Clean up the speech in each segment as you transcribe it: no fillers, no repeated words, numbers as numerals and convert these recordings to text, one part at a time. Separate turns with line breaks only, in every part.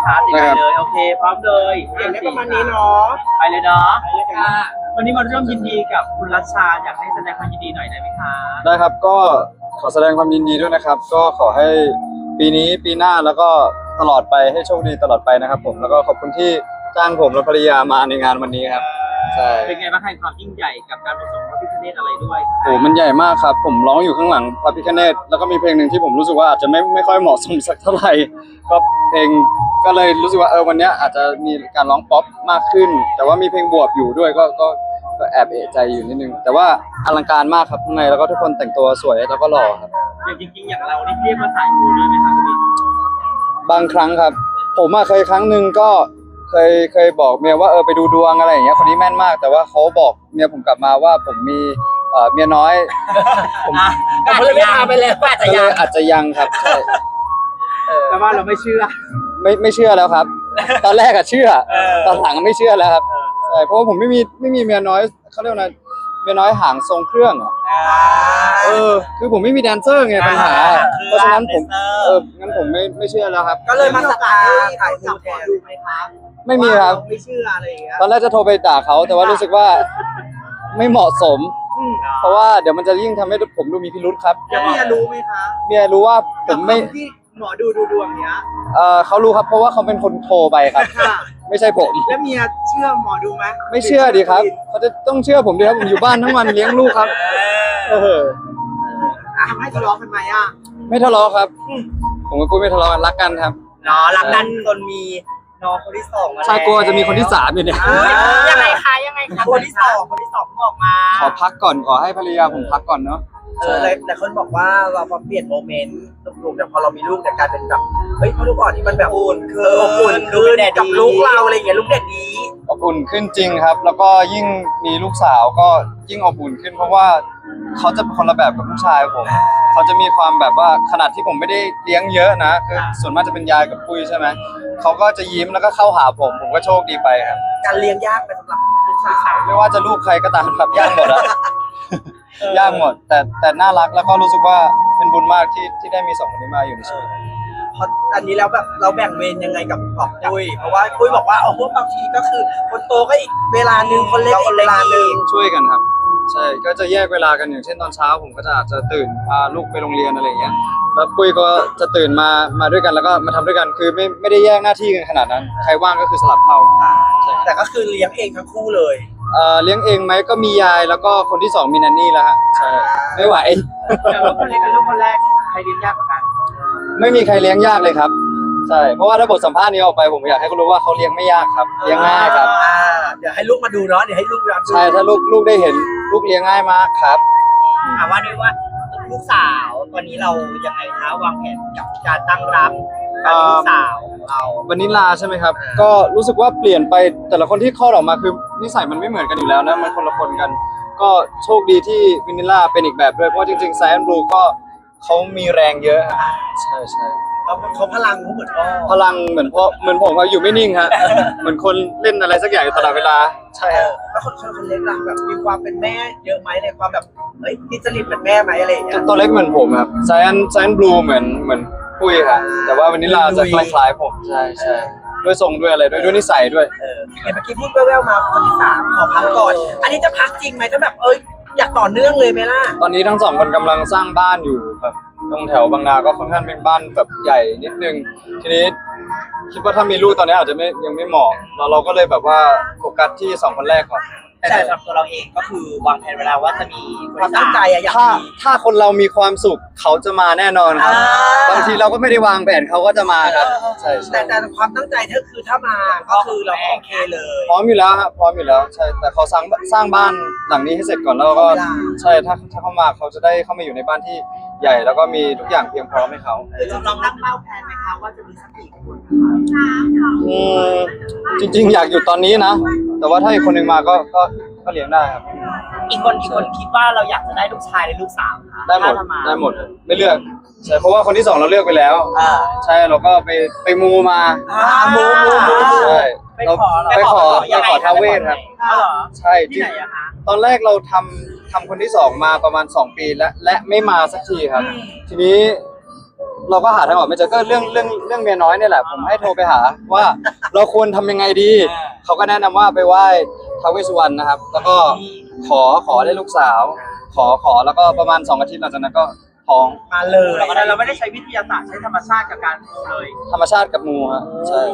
คะติดไปเลยโอเคพร้อมเลย
อย่างนี้ประมาณนี้เนาะ
ไปเลยเนาะวันนี้มาร่วมยินดีกับคุณรัชชาอยากให้แสดงความยินดีหน่อยได้ไหมคะ
ได้ครับก็ขอแสดงความยินดีด้วยนะครับก็ขอให้ปีนี้ปีหน้าแล้วก็ตลอดไปให้โชคดีตลอดไปนะครับผมแล้วก็ขอบคุณที่จ้างผมและภรรยามาในงานวันนี้ครับใช่
เป็นไงบ้างให้ความยิ่งใหญ่กับการผสมพระพิฆเนศอะไรด้วย
โอ้มันใหญ่มากครับผมร้องอยู่ข้างหลังพระพิฆเนศแล้วก็มีเพลงหนึ่งที่ผมรู้สึกว่าอาจจะไม่ค่อยเหมาะสมสักเท่าไหร่ก็เพลงก็เลยรู้สึกว่าวันนี้อาจจะมีการร้องป๊อปมากขึ้นแต่ว่ามีเพลงบวกอยู่ด้วยก็แอบเอะใจอยู่นิดนึงแต่ว่าอลังการมากครับข้างในแล้วก็ทุกคนแต่งตัวสวยแล้วก็หล่อครับ
อย่างจริงๆอย่างเรานี่เรียกว่าสายมูด้วยไหมครับพี่
บางครั้งครับผมเคยครั้งหนึ่งก็เคยบอกเมียว่าไปดูดวงอะไรอย่างเงี้ยคนนี้แม่นมากแต่ว่าเขาบอกเมียผมกลับมาว่าผมมีเมียน้อยผม
เลยไม่พาไปแล้ว
อาจจะยังครับใช่
แต่ว่าเราไม่เชื่อ
ไม่เชื่อแล้วครับตอนแรกเชื่อตอนหลังไม่เชื่อแล้วครับใช่เพราะว่าผมไม่มีเมียน้อยเขาเรียกว่าเมียน้อยหางทรงเครื่องคือผมไม่มีแดนเซอร์ไงปัญหาเพราะฉะนั้นผมงั้นผมไม่เชื่อแล้วครับ
ก็เลยมาสตาร์ถ่ายรูปแทนดูไหมครับ
ไม่มีครับ
ไม่เชื่ออะไรอย่างเงี้ย
ตอนแรกจะโทรไปด่าเขาแต่ว่ารู้สึกว่าไม่เหมาะสมเพราะว่าเดี๋ยวมันจะยิ่งทำให้ผมดูมีพิรุธครับ
เมียรู้ไหมคะ
เมียรู้ว่าผมไม่
ที่หมอดูดวงเนี้ย
เขารู้ครับเพราะว่าเขาเป็นคนโทรไปครับไม่ใช่ผม
แล้วเมียเชื่อหมอดูไหม
ไม่เชื่อดีครับเขาจะต้องเชื่อผมดีครับผมอยู่บ้านทั้งวันเลี้ยงลูกครับ
ทำให้ทะเลาะกันไหม
ไม่ทะเลาะครับผมกับปุ้ยไม่ทะเลาะกันรักกันครับ
รักกันจนมีน้องคนที่สองมาแล้ว
ใช่กลัวจะมีคนที่สามอยู่เนี่ย
ยังไงคะคนที่สองบอกมา
ขอพักก่อนขอให้ภรรยาผมพักก่อนเนาะ
แต่คนบอกว่าเราพอเปลี่ยนโมเมนต์ลูกแต่พอเรามีลูกแต่กลายเป็นแบบเฮ้ยลูกอ่อนที่มันแบบอุ่นคือกับลูกเราอะไรอย่างเงี้ยลูกเด็กดี
อบอุ่นขึ้นจริงครับแล้วก็ยิ่งมีลูกสาวก็ยิ่งอบอุ่นขึ้นเพราะว่าเขาจะเป็นคนละแบบกับลูกชายผมเขาจะมีความแบบว่าขนาดที่ผมไม่ได้เลี้ยงเยอะนะคือส่วนมากจะเป็นยายกับปุ้ยใช่ไหมเขาก็จะยิ้มแล้วก็เข้าหาผมก็โชคดีไปครับ
การเลี้ยงยากไปสำหรับลูกสาว
ไม่ว่าจะลูกใครก็ตามครับยากหมดอะยากหมดแต่น่ารักแล้วก็รู้สึกว่าเป็นบุญมากที่ได้มีสองคนนี้มาอยู่ในชีวิต
พออันนี้แล้วแบบเราแบ่งเวรยังไงกับปุ้ยเพราะว่าปุ้ยบอกว่าบางทีก็คือคนโตก็อีกเวลานึงคนเล็กอีกเวลานึง
ช่วยกันครับใช่ก็จะแยกเวลากันอย่างเช่นตอนเช้าผมก็จะตื่นพาลูกไปโรงเรียนอะไรอย่างเงี้ยแล้วปุ้ยก็จะตื่นมาด้วยกันแล้วก็มาทำด้วยกันคือไม่ได้แยกหน้าที่กันขนาดนั้นใครว่างก็คือสลับเข้า
แต่ก็คือเลี้ยงเองทั้งคู่เลย
เลี้ยงเองไหมก็มียายแล้วก็คนที่สองมีนันนี่แล้วฮะใช่ไม่ไหว
แต่ว่าคนเล็กกับลูกคนแรกใครเลี้ยงยากกว่ากัน
ไม่มีใครเลี้ยงยากเลยครับใช่เพราะว่าถ้าบทสัมภาษณ์นี้ออกไปผมอยากให้เขารู้ว่าเขาเลี้ยงไม่ยากครับเลี้ยงง่ายครับ
เดี๋ยวให้ลูกมาดูเนาะเดี๋ยวให้ลูกดู
ใช่ถ้าลูกได้เห็นลูกเลี้ยงง่ายมากครับ
ถามว่าด้วยว่าลูกสาวตอนนี้เรายังไงคะวางแผนกับการตั้งรับการลูกสาวเรา
วานิลาใช่ไหมครับก็รู้สึกว่าเปลี่ยนไปแต่ละคนที่คลอดออกมาคือนิสัยมันไม่เหมือนกันอยู่แล้วนะมันคนละคนกันก็โชคดีที่วานิลาเป็นอีกแบบด้วยเพราะจริงๆไซแอนด์บลูก็เขามีแรงเยอะใช่
เขาพลังเขาเหมือนพ่อ
พลังเหมือนผมอยู่ไม่นิ่งฮะเหมือนคนเล่นอะไรสักอย่างตลอดเวลาใช่
แล้วคนเล็กล่ะแบบมีความเป็นแม่เยอะไหมในความแบบที่จริตเหมือนแม่ไหมอะไรอย่างเงี้ย
ตัวเล็กเหมือนผมครับไซแอนด์บลูเหมือนปุ้ยครับแต่ว่าวานิลาจะคล้ายๆผมใช่ด้วยทรงด้วยอะไรด้วยนิสัยด้วย
เมื่อกี้พูดแว่วๆมาคนที่สามขอพักก่อนอันนี้จะพักจริงไหมถ้าแบบอยากต่อเนื่องเลยไหมล่ะ
ตอนนี้ทั้งสองคนกำลังสร้างบ้านอยู่ครับตรงแถวบางนาก็ค่อนข้างเป็นบ้านแบบใหญ่นิดนึงทีนี้คิดว่าถ้ามีลูกตอนนี้อาจจะยังไม่เหมาะเราก็เลยแบบว่าโฟกัสที่2คนแรกก่อน
แต่สำหรับตัวเราเองก็คือวางแผนเวลาว่าจะมีความตั้งใจอยาก
ถ้าคนเรามีความสุขเขาจะมาแน่นอนครับบางทีเราก็ไม่ได้วางแผนเขาก็จะมาครับใช่
แต่ความตั้งใจก็คือถ้ามาก็คือเราโอเคเลย
พร้อมอยู่แล้วครับพร้อมอยู่แล้วใช่แต่เขาสร้างบ้านหลังนี้ให้เสร็จก่อนแล้วก็ใช่ถ้าเขามาเขาจะได้เข้ามาอยู่ในบ้านที่ใหญ่แล้วก็มีทุกอย่างเพียงพร้อมให้เขา
ลองตั้งเป้าแผนไหมคะว่าจะมีสักกี่คน
จริงๆอยากอยู่ตอนนี้นะแต่ว่าถ้าอีกคนหนึ่งมาก็เลี้ยงได้ครับ
อีกคนคิดว่าเราอยากจะได้ลูกชายหรือลูกสาว
ได้หมดไม่เลือกใช่เพราะว่าคนที่2เราเลือกไปแล้วใช่เราก็ไปมูมา
มู
ใช่เราไปขอท้าวเวสครับใช่ที่ไหนอะคะตอนแรกเราทำคนที่2มาประมาณ2 ปีและไม่มาสักทีครับทีนี้เราก็หาทางออกไม่เจอก็เรื่องเมียน้อยเนี่ยแหละผมให้โทรไปหาว่าเราควรทำยังไงดีเขาก็แนะนำว่าไปไหว้ท้าวเวสสุวรรณนะครับ แล้วก็ขอได้ลูกสาว ขอแล้วก็ประมาณ2 อาทิตย์หลังจากนั้นก็ท้อง
มาเลย
เราไม่ได้ใช้วิทยาศาสตร์ใช้ธรรมชาติกับการมูเลย
ธรรมชาติกับมูฮะใช่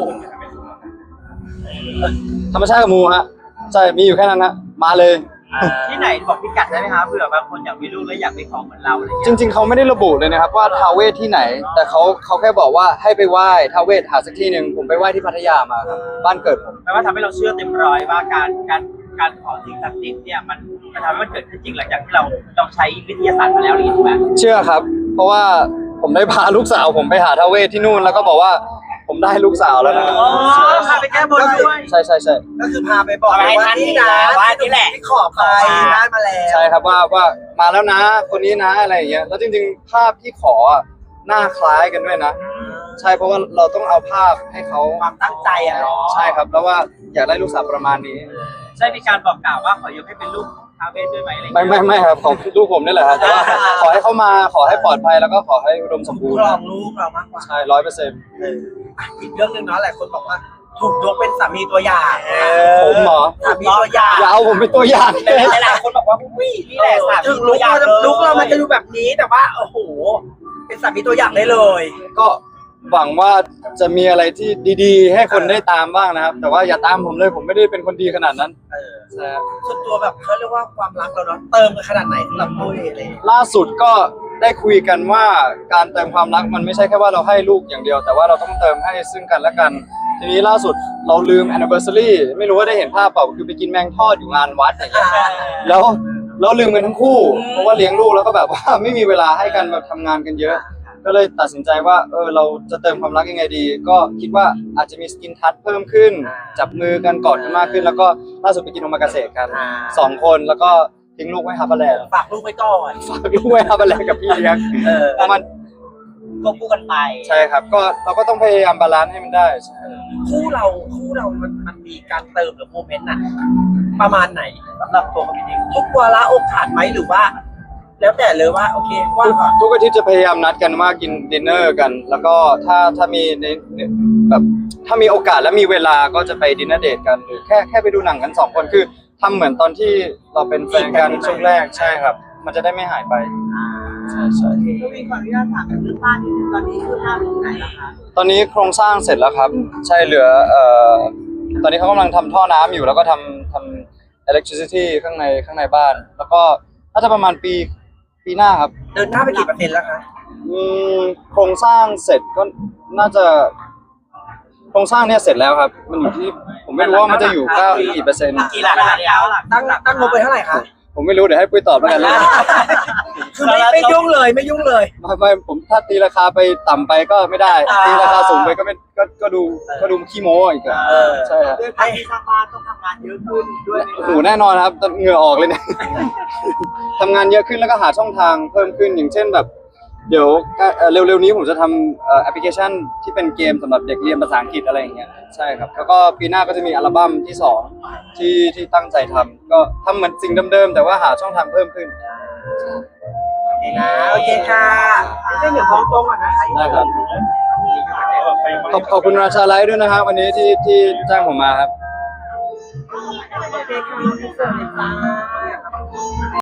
ธรรมชาติกับมูฮะใช่มีอยู่แค่นั้นฮะมาเลย
ที่ไหนบอกพิกัดได้ไหมคะเผื่อบางคนอยากมีลูกแล้วอยากไปขอเหมือนเราอะไร
จ
เงี้ย
ริง ๆเขาไม่ได้ระบุเลยนะครับว่าท้าวเวสที่ไหน แต่เขาแค่บอกว่าให้ไปไหว้ท้าวเวสหาสักที่หนึ่งผมไปไหว้ที่พัทยามาครับบ้านเกิดผม
แปลว่าทำให้เราเชื่อเต็มร้อยว่าการขอสิ่งศักดิ์สิทธิ์เนี่ยมันทำให้มันเกิดขึ้นจริงหลังจากที่เราใช้วิทยาศาสตร์มาแล้วหรือถูกไหม
เชื่อครับ เพราะว่าผมได้พาลูกสาวผมไปหาท้าวเวสที่นู่นแล้วก็บอกว่าผมได้ลูกสาวแล้วนะครับ
อ๋อพาไปแก้บนด้วย
ใช่
ก็คือพาไปบอกเลยว่านี่นะว่านี่แหละที่ขอไปได้มาแล้ว
ใช่ครับว่ามาแล้วนะคนนี้นะอะไรอย่างเงี้ยแล้วจริงๆภาพที่ขออะหน้าคล้ายกันด้วยนะ ใช่เพราะว่าเราต้องเอาภาพให้เขา
ความตั้งใจอ่ะเนาะ
ใช่ครับแล้วว่าอยากได้ลูกสาวประมาณนี้
ใช่มีการบอกกล่าวว่าขอยกให้เป็นลูกท้าวเวสด้วยไหมอะไรเงี้ย
ไม่ครับของลูกผมนี่แหละครับแต่ว่าขอให้เขามาขอให้ปลอดภัยแล้วก็ขอให้อุดมสมบูร
ค
ณ์
รองลูกเรามากกว่า
ใช่100%
อีกเรื่องหนึ่งเนาะหลายคนบอกว่าถูกยกเป็นสามีตัวอย่าง
ผมเหรอ
สามีตัวอย่าง
อย่าเอาผมเป็นตัวอย่างเลย
หลายๆคนบอกว่าอุ้ยนี่แหละสามี
ถึง
ตัวอย่างลุกเรามันจะดูแบบนี้แต่ว่าโอ้โหเป็นสามีตัวอย่างได้เลย
ก็หวังว่าจะมีอะไรที่ดีๆ ให้คนได้ตามบ้างนะครับ แต่ว่าอย่าตามผมเลยผมไม่ได้เป็นคนดีขนาดนั้นใช่ครับ
ส่วนตัวแบบเขาเรียกว่าความรักเราเนาะเติมกันขนาดไหนสำหรับปุ้ยอะไรอย่างเงี้ย
ล่าสุดก็ได้คุยกันว่าการเติมความรักมันไม่ใช่แค่ว่าเราให้ลูกอย่างเดียว แต่ว่าเราต้องเติมให้ซึ่งกันและกัน ทีนี้ล่าสุดเราลืม anniversary ไม่รู้ว่าได้เห็นภาพเปล่าคือไปกินแมงทอดอยู่งานวัดอย่างเงี้ยแล้วเราลืมกันทั้งคู่เพราะว่าเลี้ยงลูกแล้วก็แบบว่า ไม่มีเวลาให้กันแบบทำงานกันเยอะ ก็เลยตัดสินใจว่าเราจะเติมความรักยังไงดี ก็คิดว่าอาจจะมีสกินทัชเพิ่มขึ้น จับมือกันกอดกันมากขึ้น แล้วก็ล่าสุดไปกินโอมากาเสะกัน2 คนแล้วก็ทิ้งลูกไว้ฮาร์บาแลนด์
ฝากลูกไว้ก่อน
ฝากลูกไว้ฮาร์บาแลนด์กับพี่เลี้ยงประมาณ
ควบคู่กันไป
ใช่ครับก็เราก็ต้องพยายามบาลานซ์ให้มันได้ใช่
คู่เรามันมีการเติมหรือโมเมนต์น่ะประมาณไหนสำหรับตัวเขาเองทุกวาระโอกาสไหมหรือว่า แล้วแต่เลยว่าโอเคว่า
ทุกอาทิตย์จะพยายามนัดกันว่ากินดินเนอร์กัน แล้วก็ถ้ามีในแบบถ้ามีโอกาสและมีเวลาก็จะไปดินเนอร์เดทกันหรือแค่ไปดูหนังกัน2 คนคือทำเหมือนตอนที่เราเป็นแฟนกันช่วงแรกใช่ครับ มันจะได้ไม่หายไปใช่
ก็มีขออนุญาตถามเรื่องบ้านนิดนึงตอนนี้คือภาพที่ไหนล่ะคะ
ตอนนี้โครงสร้างเสร็จแล้วครับ ใช่เหลือตอนนี้เขากำลังทำท่อน้ำอยู่แล้วก็ทำ electricity ข้างในบ้าน แล้วก็น่าจะประมาณปีหน้าครับ
เดินหน้าไปกี่เปอร์เซ็นต์แล้วคะ
โครงสร้างเสร็จก็น่าจะโครงสร้างเนี่ยเสร็จแล้วครับ มันอยู่ที่ผมไม่รู้ว่ามันจะอยู่กี่เปอร์เซ็นต์
กี่หลักแล้วหลัก
ตั้งงบไปเท่าไหร่คะ
ผมไม่รู้เดี๋ยวให้ปุ้ยตอบแล้วกันนะ
คือไม่ยุ่งเลยไม่ยุ่งเลย
ไม่ผมถ้าตีราคาไปต่ำไปก็ไม่ได้ตีราคาสูงไปก็ไม่ก็ดูขี้โม้อีกอะใช่ครับ
ด้วยการที่สร้างบ้านต้องทำงานเยอะขึ้นด้วย
โอ้โหแน่นอนครับเหงื่อออกเลยเนี่ย ทำงานเยอะขึ้นแล้วก็หาช่องทางเพิ่มขึ้นอย่างเช่นแบบ เดี๋ยวเร็วๆนี้ผมจะทำแอปพลิเคชันที่เป็นเกมสำหรับเด็กเรียนภาษาอังกฤษอะไรอย่างเงี้ยใช่ครับแล้วก็ปีหน้าก็จะมีอัลบั้มที่2ที่ตั้งใจทำก็ทำเหมือนสิ่งเดิมๆแต่ว่าหาช่องทางเพิ่มขึ้น
โอเคค่ะไม่ใช่เหนือท้องตรงอ่ะนะคะ
ได้ครับขอบคุณราชาไลฟ์ด้วยนะครับวันนี้ที่จ้างผมมาครับ
โอเคค่ะ